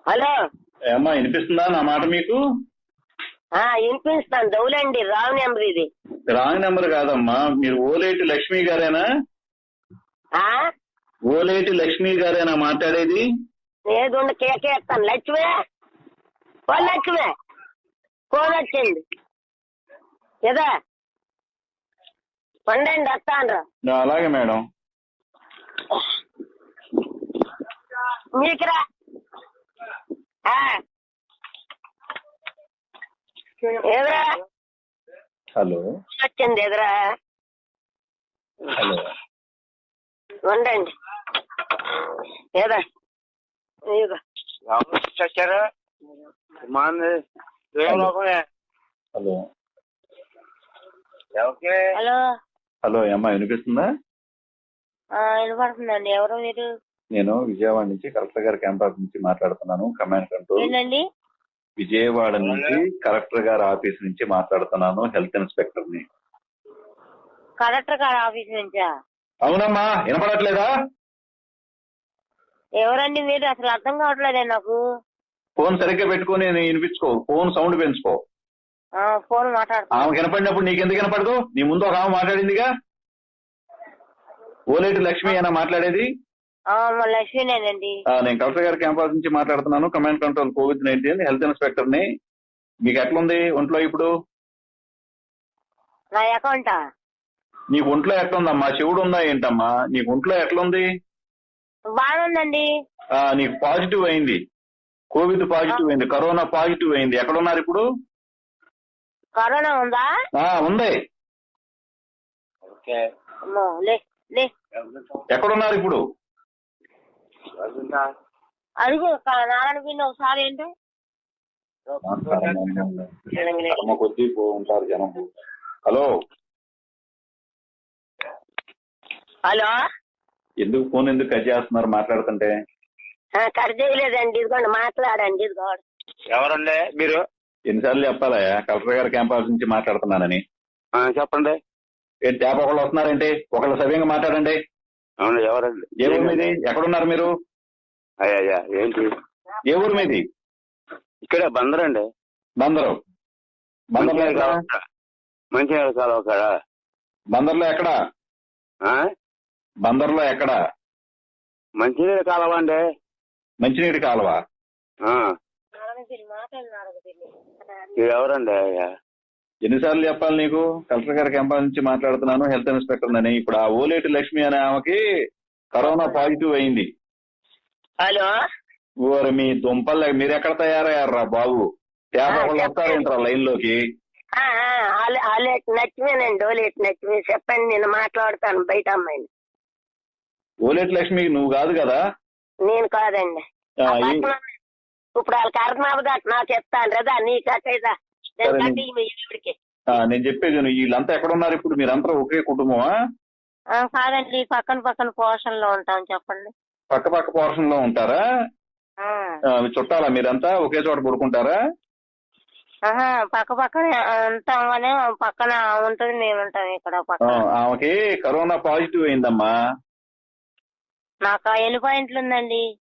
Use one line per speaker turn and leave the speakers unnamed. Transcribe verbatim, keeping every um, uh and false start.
Hello
ఏమ్మా వినిపిస్తుందా నా మాట మీకు?
ఆ వినిపిస్తాను. దౌలండి రావు నెంబర్ ఇది.
రాంగ్ నెంబర్ కాదమ్మా, మీరు ఓలేటి లక్ష్మి గారేనా?
ఆ
ఓలేటి లక్ష్మి గారేనా మాట్లాడేది?
ఏదుండ కేకేస్తాను. లక్ష్మే ఓ లక్ష్మే ఫోన్ వచ్చింది కదా, పండండి వస్తాను.
అలాగే మేడం.
మీకురా ఎదురా
హలో
వచ్చింది ఎదురా
హలో
ఉండండి ఏదా
చచ్చారా
హలో
హలో
హలో ఏమ్మా వినిపిస్తుందా?
వినపడుతుందండి. ఎవరు మీరు?
నేను విజయవాడ నుంచి కలెక్టర్ గారి క్యాంపస్ నుంచి మాట్లాడుతున్నాను. Command control.
ఏంటండి?
విజయవాడ నుంచి కలెక్టర్ గారి ఆఫీస్ నుంచి మాట్లాడుతున్నాను. హెల్త్ ఇన్స్పెక్టర్ ని.
కలెక్టర్ గారి ఆఫీస్ నుంచా?
అవునమ్మా, వినపడట్లేదా?
ఎవరండి మీరు? అసలు అర్థం కావట్లేదే నాకు.
ఫోన్ సరిగ్గా పెట్టుకుని వినిపించుకో, ఫోన్ సౌండ్ పెంచుకో.
ఫోన్ మాట్లాడుతున్నా.
ఆమె వినపడినప్పుడు నీకెందుకు వినపడదు? నీ ముందు ఒక ఆమె మాట్లాడిందిగా. ఓలేటి లక్ష్మి అయినా మాట్లాడేది?
లక్ష్మీనేనండి.
నేను కలెక్టర్ గారి క్యాంపస్ నుంచి మాట్లాడుతున్నాను. Command control covid nineteen health inspector ని. మీకు ఎట్లుంది ఒంట్లో ఇప్పుడు?
నా అకౌంటా?
నీకు ఒంట్లో ఎట్లుందమ్మా? చెవుడు ఉందా ఏంటమ్మా? నీకు ఒంట్లో ఎట్లుంది?
బాగుందండి.
నీకు పాజిటివ్ అయింది, కోవిడ్ పాజిటివ్ అయింది, కరోనా పాజిటివ్ అయింది. ఎక్కడున్నారు ఇప్పుడు?
కరోనా ఉందా?
ఉంది. ఎక్కడున్నారు ఇప్పుడు?
అడుగు నారాయణ పిండి ఒకసారి. ఏంటి
కొద్ది ఉంటారు జనం. హలో
హలో
ఎందుకు ఫోన్ ఎందుకు కట్ చేస్తున్నారు మాట్లాడుతుంటే?
కట్ చేయలేదండి, ఇదిగోండి మాట్లాడండి. ఇదిగోండి.
ఎవరండి మీరు?
ఎన్నిసార్లు చెప్పాలా కలెక్టర్ గారి క్యాంపస్ నుంచి మాట్లాడుతున్నానని?
చెప్పండి.
ఏంటి ట్యాప్ ఒకళ్ళు వస్తున్నారేంటి? ఒకళ్ళు సవ్యంగా మాట్లాడండి.
అవును, ఎవరండి?
ఏ ఊరు మీది? ఎక్కడున్నారు మీరు?
అయ్యా ఏంటి?
ఏ ఊరు మీది?
ఇక్కడే బందరండి.
బందరు. బందర్లో ఎక్కడ?
మంచినీళ్ళ కాలువ కాడ.
బందర్లో ఎక్కడ? బందర్లో ఎక్కడ?
మంచినీళ్ళ కాలువ అండి.
మంచినీటి కాలువ.
ఎవరండి అయ్యా?
ఎన్నిసార్లు చెప్పాలి నీకు? కలెక్టర్ గారి క్యాంపస్ నుంచి మాట్లాడుతున్నాను, హెల్త్ ఇన్స్పెక్టర్ అని. ఇప్పుడు ఆ ఓలేటి లక్ష్మి అనే ఆమెకి కరోనా పాజిటివ్ అయింది.
హలో
ఓరి మీ దుంపల్, మీరు ఎక్కడ తయారయ్యారా బాబు? ట్యాప్ ఒకళ్ళు వస్తారేంట్రా లైన్ లోకి?
లక్ష్మీనండి. ఓలేటి లక్ష్మి. చెప్పండి, నేను మాట్లాడతాను బయట అమ్మాయిని.
ఓలేటి లక్ష్మికి నువ్వు కాదు కదా?
నేను కాదండి. ఇప్పుడు వాళ్ళ కర్మాబు నా చెప్తాను కదా, నీ కట్టేదా?
నేను చెప్పేది వీళ్ళంతా ఎక్కడున్నారు ఇప్పుడు? మీరంతా ఒకే కుటుంబమా?
కాదండి, పక్కన పక్కన పోర్షన్ లో ఉంటాం. చెప్పండి.
పక్క పక్క పోర్షన్ లో ఉంటారా? చుట్టాలా మీరంతా? ఒకే చోట పడుకుంటారా?
పక్క పక్కన ఉంటాం కానీ పక్కన ఉంటుంది, మేము ఉంటాం ఇక్కడ.
ఆమెకి కరోనా పాజిటివ్ అయిందమ్మా.
నాకు ఎన్ని పాయింట్లు ఉందండి?